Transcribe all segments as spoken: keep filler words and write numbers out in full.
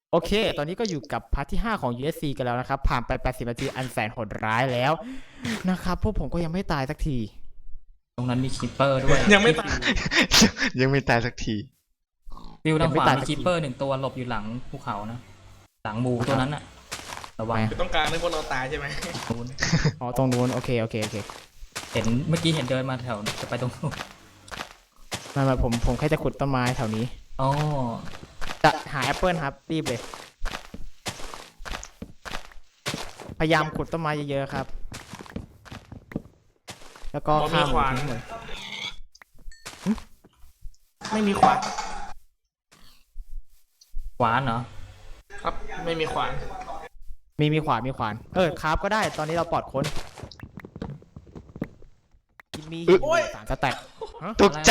โอเค ตอนนี้ก็อยู่กับพาร์ทที่ห้าของ ยู เอส ซี กันแล้วนะครับ ผ่านไปแปดสิบนาทีอันแสนโหดร้ายแล้วนะครับ พวกผมก็ยังไม่ตายสักทีตรงนั้นมีคีปเปอร์ด้วยยังไม่ตายยังไม่ตายสักทีฟิวทางขวายังไม่ตายมีสักทีคีปเปอร์หนึ่งตัวหลบอยู่หลังภูเขานะ หลังหมูตัวนั้นอะระวังคือต้องการให้พวกเราตายใช่ไหมนู้นอ๋อ ตรงนู้น โอเค โอเค โอเคเห็นเมื่อกี้เห็นเดินมาแถวจะไปตรงนู้นไมามาผม ผมแค่จะขุดต้นไม้แถวนี้อ๋อจะหาแอปเปิลครับ รีบเลย พยายามขุดต้นไม้เยอะๆครับ แล้วก็บอฆ่ามีหขมูวานทิ้งหมดไม่มีขวานขวานเหรอครับ ไม่มีขวานมีมีขวาน มีขวาน เออคราฟก็ได้ ตอนนี้เราปลอดค้นกินมีหินสารสแต็กฮะตกใจ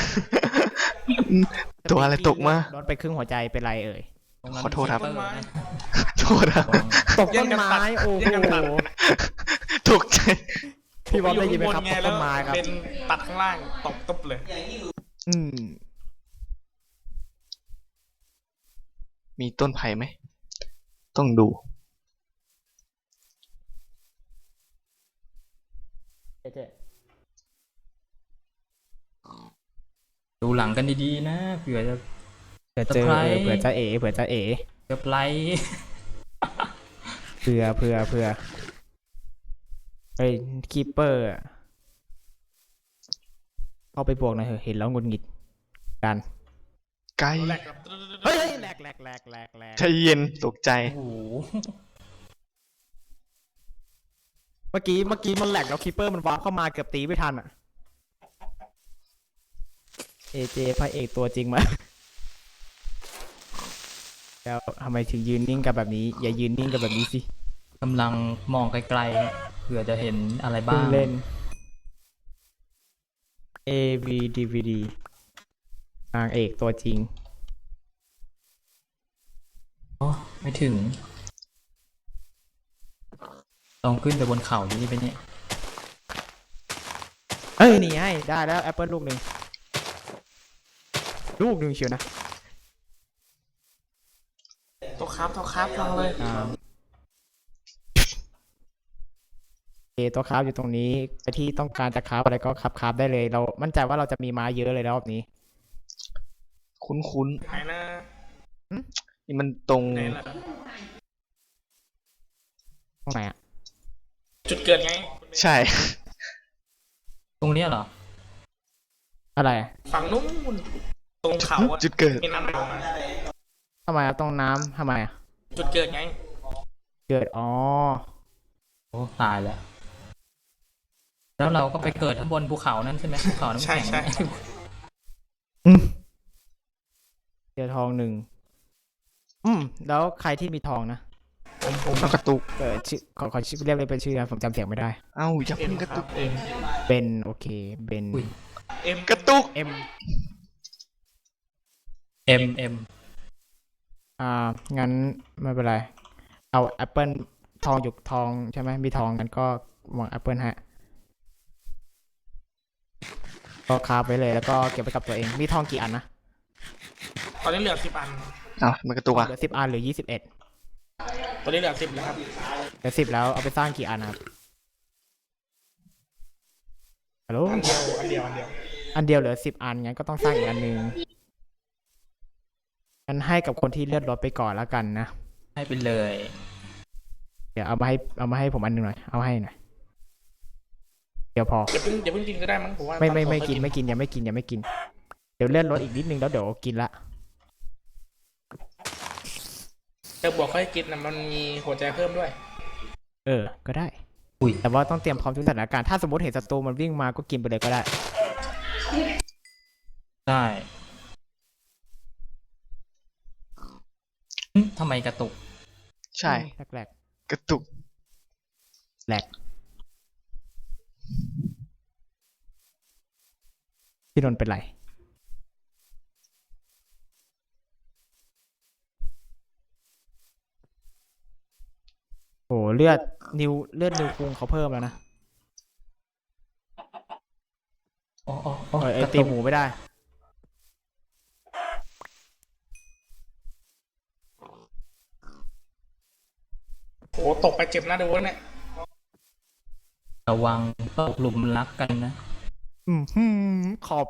ตัวอะไรตกมาโดนไปครึ่งหัวใจเป็นไรเอ่ยตรงนั้นขอโทษครับมี Keeper นะโทษนะระวังตกต้นไม้โอ้โหแย่งกันตัดตกใจพี่บอลได้ยินไหมครับอตกต้นไม้ครับเป็นตัดข้างล่างตกตุ๊บเลยอืมมีต้นไผ่ไหม ต้องดูดูหลังกันดีๆนะเผื่อจะเผื่อเจอเซอร์ไพรส์เผื่อจะเอ๋เผื่อจะเอ๋เกือบไลท์เผื่อเผื่อเผื่อไอ้คีเปอร์เข้าไปบวกหน่อยเถอะเห็นแล้วหงุดหงิดกันไกลแหลกครับเฮ้ยแหลกแหลกแหลกแหลกแหลกใจเย็น ตกใจโอ้โหเมื่อกี้เมื่อกี้มันแหลกแล้วคีเปอร์มันวาร์ปเข้ามาเกือบตีไม่ทันอ่ะเอเจพระเอกตัวจริงมาแล้วทำไมถึงยืนนิ่งกับแบบนี้ อย่ายืนนิ่งกับแบบนี้สิกำลังมองไกลๆเผื่อจะเห็นอะไรบ้าเพิ่งงเล่น เอ วี ดี วี ดี นางเอกตัวจริงอ๋อไม่ถึงต้องขึ้นไปบนเขานี่ไปเนี่ยเอ้ยนี่ให้ได้แล้วแอปเปิลลูกหนึ่งลูกหนึ่งเชียวนะตัวครับตัวครับลองเลยอ่าโอเคตัวคราฟอยู่ตรงนี้ไปที่ต้องการจะคราฟอะไรก็คราฟคราฟได้เลย เรามั่นใจว่าเราจะมีม้าเยอะเลยรอบนี้คุ้นหายหน้าๆ นี่มันตรงไหนล่ะตรงไหนอะจุดเกิดไงใช่ตรงเนี้ยเหรออะไรอะฝั่งนู้นตรงเขาอะจุดเกิดมีน้ำไหลลงมาทำไมอะตรงน้ำทำไมอะจุดเกิดไงเกิดอ๋อโอ้ตายแล้ว แล้วเราก็ไปเกิดข้างบนภูเขานั่นใช่ไหมภูเขาน้ำใช่แข็งใช่อืมเจอทองหนึ่งอืมแล้วใครที่มีทองนะผมผมต้องกระตุกเออชื่อขอขอชื่อเรียกเลยเป็นชื่อนะผมจำเสียงไม่ได้เอ้าอย่าเอ็มเพิ่งกระครัตุบกเอ็มเบนโอเคเบนอุ้ยเอ็มกระตุกเอ็มเอ็มเอ็มอ่างั้นไม่เป็นไรเอาแอปเปิลทองหยกทองใช่ไหมมีทองกันก็วางแอปเปิลฮะก็คาบไว้เลยแล้วก็เก็บไว้กับตัวเองมีทองกี่อันนะตอนนี้เหลือสิบอันเอ้ามันกระตุกอ่ะเหลือสิบอันหรือยี่สิบเอ็ดตอนนี้เหลือสิบแล้วครับเหลือสิบแล้วเอาไปสร้างกี่อันนะครับฮัลโหลอันเดียวอันเดียวอันเดียวอันเดียวเหลือสิบอันงั้นก็ต้องสร้างอีกอันหนึ่งงั้นให้กับคนที่เลือดลดไปก่อนแล้วกันนะให้ไปเลยเดี๋ยวเอามาให้เอามาให้ผมอันหนึ่งหน่อยเอาให้หน่อยเดี๋ยวพออย่าเพิ่งอย่าเพิ่งกินก็ได้มั้งผมว่าไม่ไม่ตอไม่ค่อยกินไม่กินยังไม่กินยังไม่กิน เดี๋ยวเลื่อนรถอีกนิดนึงแล้วเดี๋ยวกินละแต่บวกค่อยกินนะมันมีหัวใจเพิ่มด้วยเออ ก็ได้อุ้ยแต่ว่าต้องเตรียมพร้อมทุกสถานการณ์ถ้าสมมติเห็นศัตรูมันวิ่งมาก็กินไปเลยก็ได้ได้หึทำไมกระตุกใช่แรกกระตุกๆแหลกพี่นนท์เป็นไรโอ้เลือดนิวเลือดนิวคุงเขาเพิ่มแล้วนะอ๋ออ๋ออ๋อเออไอกระตีตุกหมูไม่ได้อ้ตกไปเจ็บนะดูวะเนี่ยระวังตกหลุมรักกันนะอืมหืมขอบ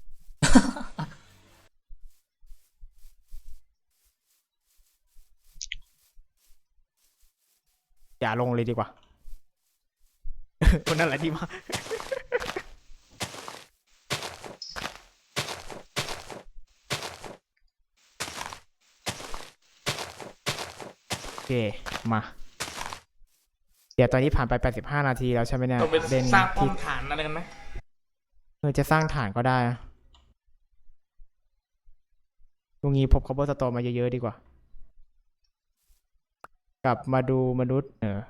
อย่าลงเลยดีกว่า คนนั้นแหละที่มา โอเค มา เดี๋ยวตอนนี้ผ่านไป แปดสิบห้า นาทีแล้วใช่ไหมเนี่ยต้องไปเล่นสร้างป้อที่มฐานอะไรกันไหมเออจะสร้างฐานก็ได้นะตรงนี้พบคอปเปอร์สโตนมาเยอะๆดีกว่า กลับมาดูมนุษย์ เออ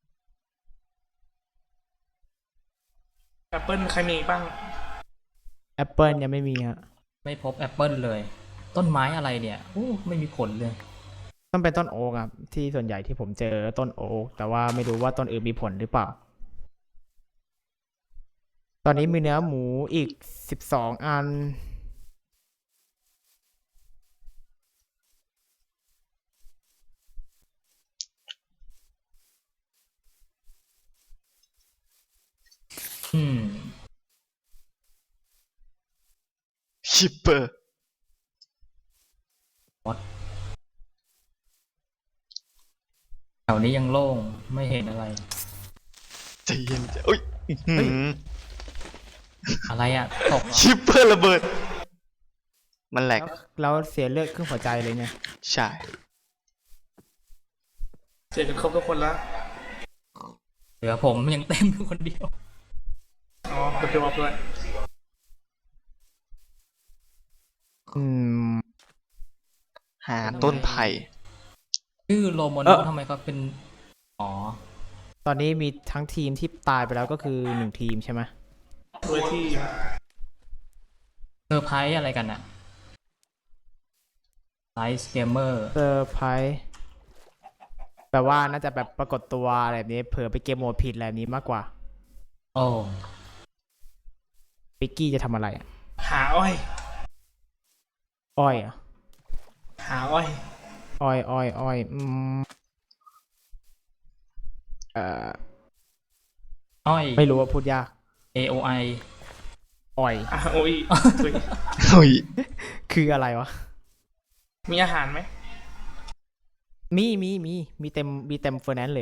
แอปเปิลใครมีอีกบ้างแอปเปิลยังไม่มีฮะไม่พบแอปเปิลเลย ต้นไม้อะไรเนี่ยโอ้ไม่มีผลเลยต้องเป็นต้นโอ๊กครับที่ส่วนใหญ่ที่ผมเจอต้นโอ๊กแต่ว่าไม่รู้ว่าต้นอื่นมีผลหรือเปล่า ตอนนี้มีเนื้อหมูอีกสิบสองอันอืมชิปเปอร์แถวนี้ยังโล่งไม่เห็นอะไรใจเย็นใจอุ้ยอื้อหืออะไรอ่ะตกเหรอชิปเปอร์ระเบิด มันแหลกแล้วเสียเลือดครึ่งหัวใจเลยเนี่ยใช่เจอกันครบทุกคนแล้วเหลือผมยังเต็มอยู่คนเดียวอ๋อเดี๋ยวไปวับด้วยอืมหาต้นไผ่ชื่อโรโมเอโนอทำไมเขาเป็น อ๋อตอนนี้มีทั้งทีมที่ตายไปแล้วก็คือหนึ่งทีมใช่ไหมด้วยที่เซอร์ไพรส์อะไรกันอะไลท์เกมเมอร์เซอร์ไพรส์แปลว่าน่าจะแบบปรากฏตัวอะไรแบบนี้เผื่อไปเกมโหมดผิดอะไรแบบนี้มากกว่าโอ้ปิกกี้จะทำอะไรอะหาอ้อยอ้อยเหรอ่ะหาอ้อยอ้อยอ้อยอ้อยอืมเอ่ออ้อยไม่รู้ว่าพูดยากเอ โอ ไออ้อยอ่ะโอ้ยอุ๊ยเฮ้ยคืออะไรวะมีอาหารไหมมีมีมีมีเต็มมีเต็มเฟอร์แนนซ์เลย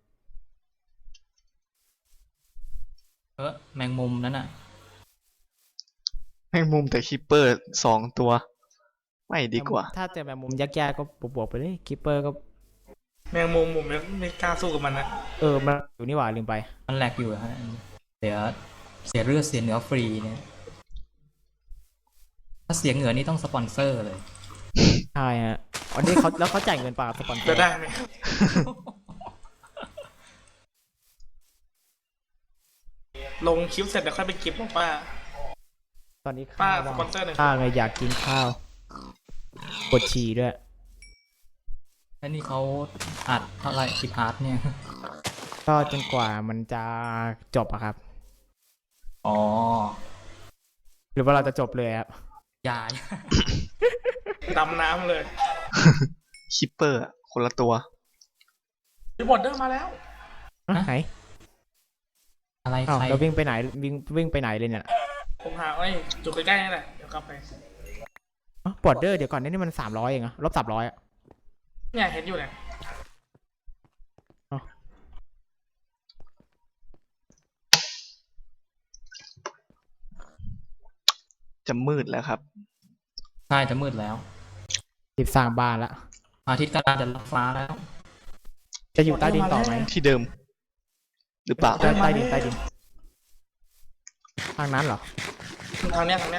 เออแมงมุมนั่นน่ะแมงมุมแต่คิปเปอร์สองตัว ไม่ดีกว่าถ้าเจอแบบมุมยากๆก็บวกๆไปเลยคิปเปอร์ก็แมงมุมผมยังไม่กล้าสู้กับมันนะเออมันอยู่นี่หว่าลืมไปมันแหลกอยู่ฮะเสียเสียเลือดเสียเนื้อฟรีเนี่ย ถ้าเสียเหงื่อนี่ต้องสปอนเซอร์เลยใช่ฮะวันนี้เขาแล้วเขาจ่ายเงินเปล่าสปอนเซอจะร์ได้ไหม ลงคลิปเสร็จเดี๋ยวค่อยไปเก็บของป้าตอนนี้ป้าข้าวสปอนเซอร์หนึ่งข้าวไงอยากกินข้าวปวดฉี่ด้วยแล้วนี่เขาอัดเท่าไหร่กี่พาร์ทเนี่ยก็จนกว่ามันจะจบอะครับอ๋อหรือว่าเราจะจบเลยครับยายดำน้ำเลยคิปเปอร์อะคนละตัวพี่บอดเดอร์มาแล้วอ่ะฮะไหนอะไรอ้าวใครเราวิ่งไปไหนวิ่งวิ่งไปไหนเลยเนี่ยผมหาอ้อยจุดใกล้ๆนี่แหละ เดี๋ยวกลับไปบอร์เดอร์เดี๋ยวก่อนนี่มันสามร้อยเองอะลบสามร้อยอะเนี่ยเห็นอยู่เนี่ยจะมืดแล้วครับใช่จะมืดแล้วรีบสร้างบ้านละอาทิตย์กำลังจะลับฟ้าแล้วจะอยู่ใต้ดินต่อไหมที่เดิม หรือเปล่าใต้ใต้ดินใต้ดินทางนั้นเหรอทางเนี้ยทางเนี้ย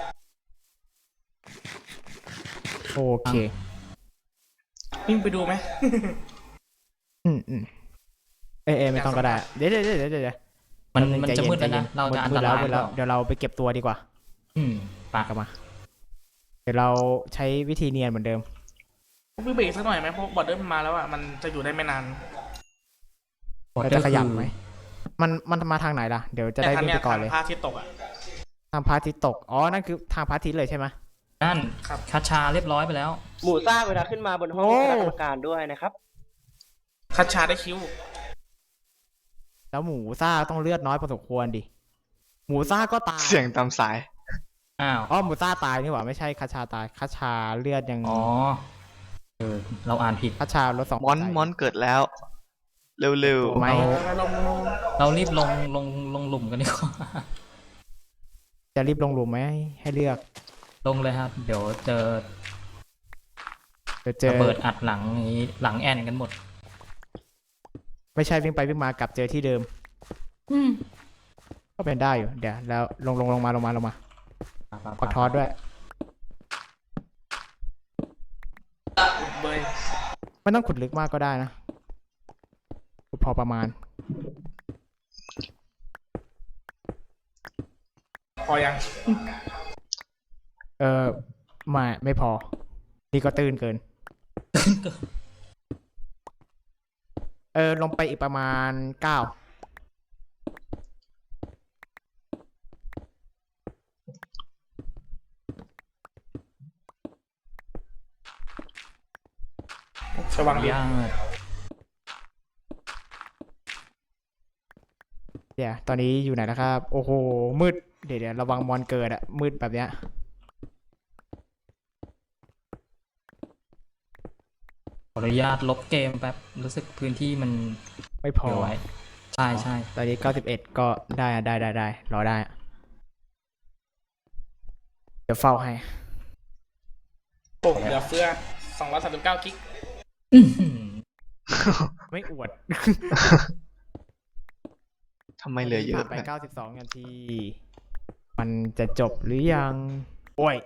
โอเควิ่งไปดูไหมอืมอืมเอยเอยไม่ต้องก็ได้ เดี๋ยวเดี๋ยวเดี๋ยวเดี๋ยวเดี๋ยวมันแป๊บงมันใจจะย็มืดแล้วใจนะย็เราจะอันมืตดแล้วรายมืดแล้วหรือเปล่าเดี๋ยวเราไปเก็บตัวดีกว่าอืมปากกลับมา เดี๋ยวเราใช้วิธีเนียนเหมือนเดิมวิ่งไปอีกสักหน่อยไหมเพราะบอดเดอร์มันมาแล้วอ่ะ มันจะอยู่ได้ไม่นานเราจะขยับไหม มันมันมาทางไหนล่ะ เดี๋ยวจะได้ทางวิ่งเนี้ไปยก่อทาน งเลยพระอาทิตย์ตกอ่ะทางพระอาทิตย์ตก อ๋อ นั่นคือทางพระอาทิตย์เลยใช่ไหมนั่นครับคาชาเรียบร้อยไปแล้วหมู่ซ่าเวลาขึ้นมาบนห้องโอ้คณะกรรมการด้วยนะครับคัดชาได้คิวแล้วหมูซ่าต้องเลือดน้อยพอสมควรดิ หมูซ่าก็ตายเสียงตามสายอ้าวอ๋อหมูซ่าตายนี่หว่าไม่ใช่คาชาตายคาชาเลือดยังอ๋อเออเราอ่านผิดคาชาลดสองมอนใจมอนเกิดแล้ว เร็วตัวไหมเราลงลงเรารีบลงลงลงหลุมกันดีกว่าจะรีบลงหลุมไหมให้เลือกลงเลยครับ เดี๋ยวเจอเดี๋ยวเจอระเบิดอัดหลังอย่างนี้หลังแอนกันหมดไม่ใช่วิ่งไปวิ่งมากลับเจอที่เดิม ก็เป็นได้อยู่เดี๋ยวแล้วลงลงลงมาลงมาลงมาปักทอดด้วยเบยไม่ต้องขุดลึกมากก็ได้นะขุดพอประมาณพอยังเออไม่ไม่พอ นี่ก็ตื้นเกิน เออลงไปอีกประมาณเก้าสว่างดียากเดี๋ยวตอนนี้อยู่ไหนนะครับ โอ้โห มืด เดี๋ยวเดี๋ยวระวังมอนเกิดอะมืดแบบเนี้ยขออนุญาตลบเกมแป๊บ รู้สึกพื้นที่มันไม่พอเดี๋ยวไว้ ใช่ใช่ตอนนี้เก้าสิบเอ็ดก็ได้อะได้ได้ได้รอได้อะเดี๋ยวเฝ้าให้โอ้เหลือเฟือสองร้อยสามสิบเก้ากิกอื้อหือไม่อวดๆทำไมเหลือเยอะผ่านไปนะเก้าสิบสองนาที มันจะจบหรือยัง โอ้ย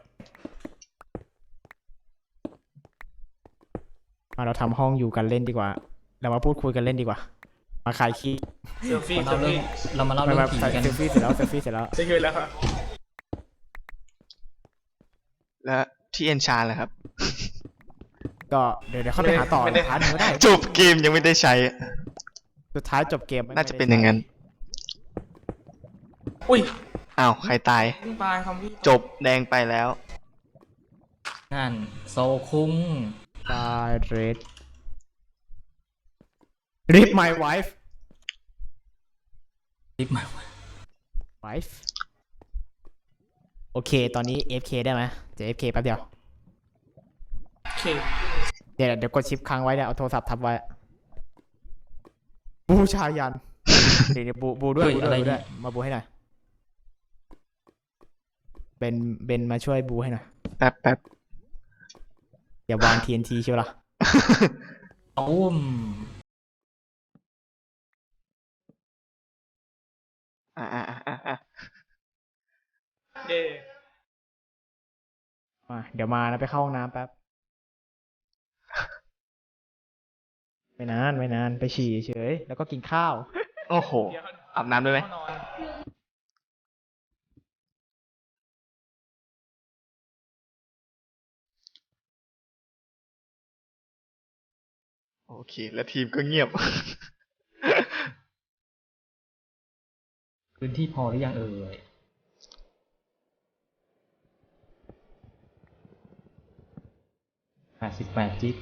มาเราทำห้องอยู่กันเล่นดีกว่า เรามาพูดคุยกันเล่นดีกว่า มาขายขี้เซลฟี่เราเซลเริ่ฟี่มเรามาเล่ามาเรื่อมางผีใส่กันเซลฟี่เสร็จแล้วเซลฟี่เสร็จแล้วเซลฟี่แล้วครับและที่เอนชานเลยครับก็เดี๋ยวเดี๋ยวเข้าไปหาต่อไม่ได้พาร์ทหนึ่งก็ได้จบเกมยังไม่ได้ใช้สุดท้ายจบเกมน่าจะเป็นอย่างนั้นอุ้ยอ้าว ใครตายเพิ่งตายคอมพี่จบแดงไปแล้วนั่น โซคุ้งตายเรด read my wife รีบมา wife โอเค ตอนนี้ เอ เอฟ เค ได้ไหมจะ เอ เอฟ เค แป๊บเดียวโอเคเดี๋ยวเดี๋ยวกดชิปค้างไว้เนี่ยเอาโทรศัพท์ทับไว้ บูชายัน เดี๋ยวเดี๋ยวบูบูด้วยเฮ้ยบูด้อะไรวยบูเนี่ด้วย ยมาบูให้หน่อยเบนเบนมาช่วยบูให้หน่อยแป๊บแป๊บอย่าวาง ที เอ็น ที เชียวล่ะตุ้มอ่าอ่าอ่าอ่าเย่มาเดี๋ยวมานะไปเข้าห้องน้ำแป๊บ ไม่นานไม่นานไปฉี่เฉยแล้วก็กินข้าวโอ้โหเดี๋ยวอาบน้ำได้ไหมเข้านอนโอเค แล้วทีมก็เงียบพื้นที่พอหรือยังเอ่ยแปดสิบแปดจิก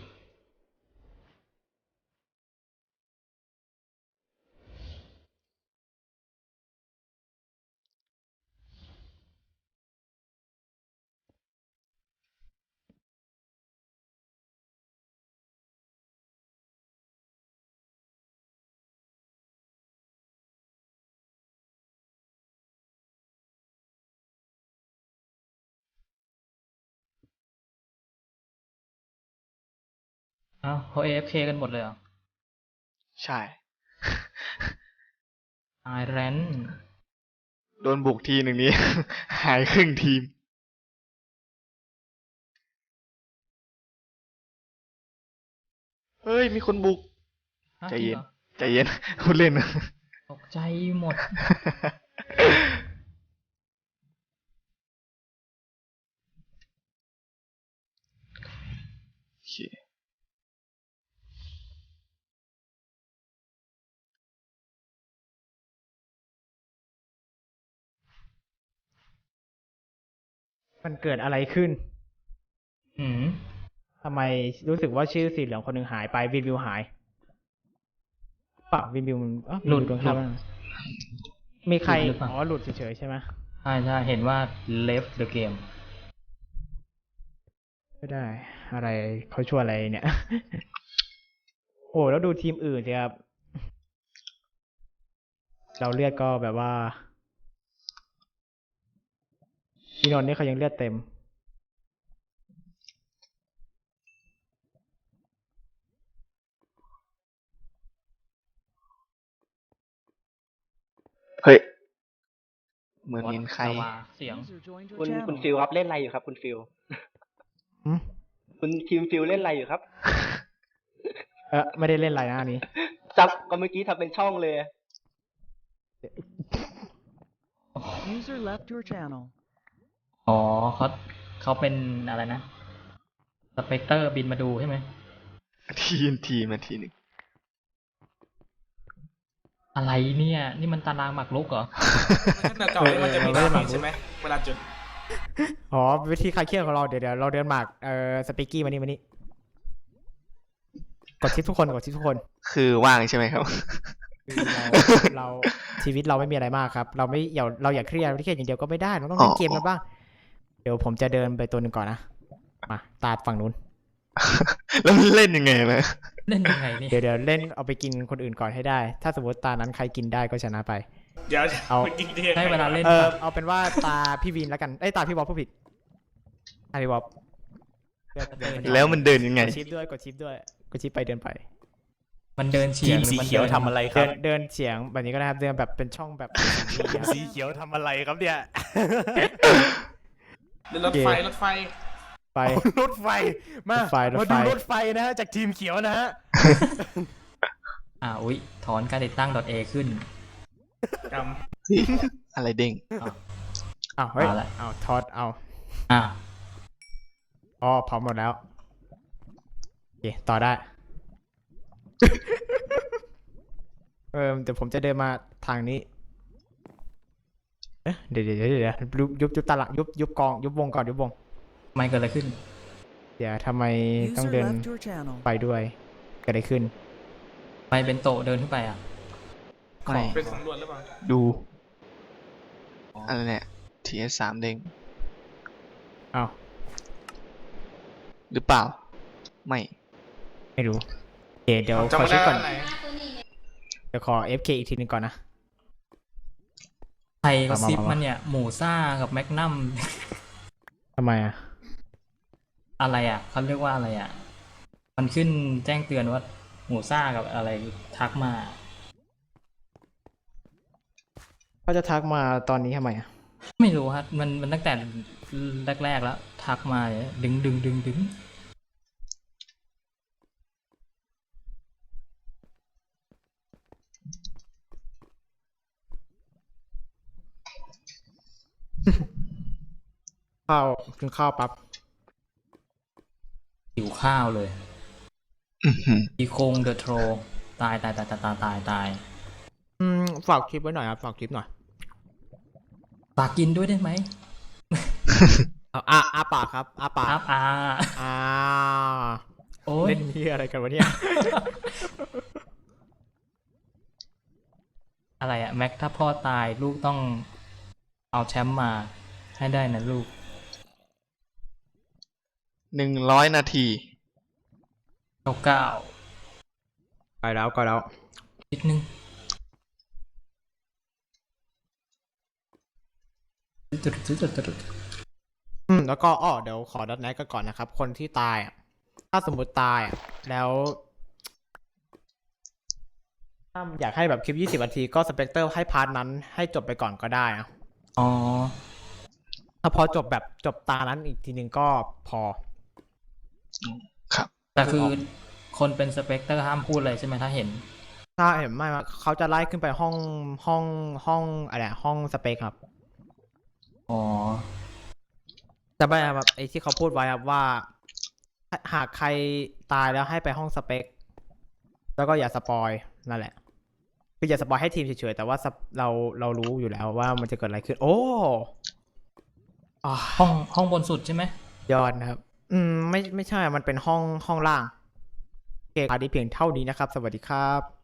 เอ้าเขา เอ เอฟ เค กันหมดเลยเหรอใช่ไอแรนโดนบุกทีหนึ่งนี้ หายครึ่งทีม เฮ้ย มีคนบุก ใจเย็น ใจเย็น พูดเล่นตกใจหมดโอเคมันเกิดอะไรขึ้นอืมทำไมรู้สึกว่าชื่อสีเหลืองคนหนึ่งหายไปวิววิวหายปะวินบิวมันอ๋อหลุดวินบิวโดนฆ่าหลุดบ้างมีใครหลุดหรือเปล่าอ๋อหลุดเฉยๆใช่ไหมใช่ใช่เห็นว่า left the game ไม่ได้ อะไรเขาช่วยอะไรเนี่ย โอ้แล้วดูทีมอื่นสิครับ เราเลือดก็แบบว่าพี่นนท์นี่เขายังเลือดเต็มเฮ้ย เหมือนเห็นใครลาวาเสียงคุณคุณฟิลครับเล่นอะไรอยู่ครับ คุณฟิลหืมคุณทีมฟิลเล่นอะไรอยู่ครับเออไม่ได้เล่นอะไรนะอันนี้ซับก็เมื่อกี้ทำเป็นช่องเลย User left your channel. อ๋อเขาเขาเป็นอะไรนะสเปกเตอร์บินมาดูใช่ไหมทีนทีมาทีหนึ่งอะไรเนี่ย นี่มันตารางหมากรุกเหรอแต่เก่านี่มันจะมีเออดาเออเมจใช่ไหมเวลาจุดอ๋อวิธีคลายเครียดของเราเดี๋ยวเดี๋ยวเราเดินหมากเอ่อสปิกกี้มานี่มานี่กดชิปทุกคนกดชิปทุกคนคือว่างใช่ไหมครับคือเราเราชีวิตเราไม่มีอะไรมากครับ เราไม่อย่าเราอย่าเครียดเครียดอย่างเดียวก็ไม่ได้เราต้องเล่นเกมกันบ้างเดี๋ยวผมจะเดินไปตัวหนึ่งก่อนนะมาตาฝั่งนู้นแล้วมันเล่นยังไงนะเล่นยังไงนี่เดี๋ยวเดี๋ยวเล่นเอาไปกินคนอื่นก่อนให้ได้ ถ้าสมมติตานั้นใครกินได้ก็ชนะไปเดี๋ยวเอามันกินได้ให้เวลาเล่นเออปะเอาเป็นว่าตาพี่วินแล้วกันเอ้ยตาพี่บอลผู้ผิดตาพี่บอลเลือกเดินแล้วมันเดินยังไงกดชิปด้วยกดชิปด้วยกดชิปไปเดินไปมันเดินเฉียงหรือมันเดินเดินเดินเฉียงแบบนี้ก็ได้ครับเดินแบบเป็นช่องแบบสีเขียวทำอะไรครับเนี่ยเดินรถไฟรถไฟไปรถไฟ มารถไฟรถมาไฟดูรถไฟนะฮะ จากทีมเขียวนะฮะอ่าอุ๊ย ถอนการติดตั้ง .a ขึ้นกอะไรเด้งอ้าวเฮ้ยเอาละอ้าวทอดเอาอ่าอ๋อพร้อมหมดแล้วโอเคต่อได้ เออเดี๋ยวผมจะเดินมาทางนี้ เอ๊ะเดี๋ยวเดี๋ยวเดี๋ยวเดี๋ยวยุบยุบยุบตาละยุบยุบกองยุบวงก่อนยุบวงไม่เกิดอะไรขึ้นเดี๋ยวทำไมต้อง User เดิน left your channel. ไปด้วยเกิดอะไรขึ้นไปเป็นโตะเดินขึ้นไปอ่ะไม่ำเป็นสำรวจหรือเปล่าดู อะไรเนี่ย ที เอส สามเด้งอ้าวหรือเปล่า ไม่ไม่รู้โอเคเดี๋ยวจำขอไม่เช็ได้คก่อนว่าไหนเดี๋ยวขอ เอฟ เค อีกทีหนึงก่อนนะใครก็ซิปมามามามัมันเนี่ย หมูซ่ากับแมกนัมทำไมอ่ะอะไรอ่ะเขาเรียกว่าอะไรอ่ะ มันขึ้นแจ้งเตือนว่า หมูซ่ากับอะไรทักมาเขาจะทักมาตอนนี้ทำไมอ่ะไม่รู้ฮะมันมันตั้งแต่แรกๆแล้ว ทักมาเนี่ยดึงดึงดึงดึงข้าวกินข้าวปั๊บหิวข้าวเลยอื้อหืออีโคงเดอะโทรตายตายตายตายตายตายตายอืมฝากคลิปไว้หน่อยครับฝากคลิปหน่อยฝากกินด้วยได้ไหมเอาอาอาปากครับอาปากครับอ่าอ่าโอ้ยเล่นเหียอะไรกันวะเนี่ยอะไรอะแม็กถ้าพ่อตายลูกต้องเอาแชมป์มาให้ได้นะลูกหนึ่งร้อยนาทีเก้าเก้าไปแล้วก็แล้วนิดนึงจุดจุดจุดจุดอืมแล้วก็อ้อเดี๋ยวขอดัดแนทกันก่อนนะครับ คนที่ตายอ่ะถ้าสมมติตายอ่ะแล้วถ้าอยากให้แบบคลิปยี่สิบนาทีก็สเปกเตอร์ให้พาร์ทนั้นให้จบไปก่อนก็ได้อะอ๋อถ้าพอจบแบบจบตานั้นอีกทีหนึ่งก็พอครับแต่คือคนเป็นสเปกเตอร์ห้ามพูดเลยใช่ไหมถ้าเห็นถ้าเห็นไม่ว่าเขาจะไล่ขึ้นไปห้องห้องห้องอะไรอะห้องสเปคครับอ๋อแต่ไม่ครับไอ้ที่เขาพูดไว้ครับว่า หากใครตายแล้วให้ไปห้องสเปค แล้วก็อย่าสปอยนั่นแหละ คืออย่าสปอยให้ทีมเฉยๆแต่ว่าสปเราเรารู้อยู่แล้วว่ามันจะเกิดอะไรขึ้น โอ้อ่าห้องห้องบนสุดใช่ไหมยอดนะครับ อืมไม่ไม่ใช่มันเป็นห้องห้องล่างโอเคพาร์ทนี้เพียงเท่านี้นะครับ สวัสดีครับ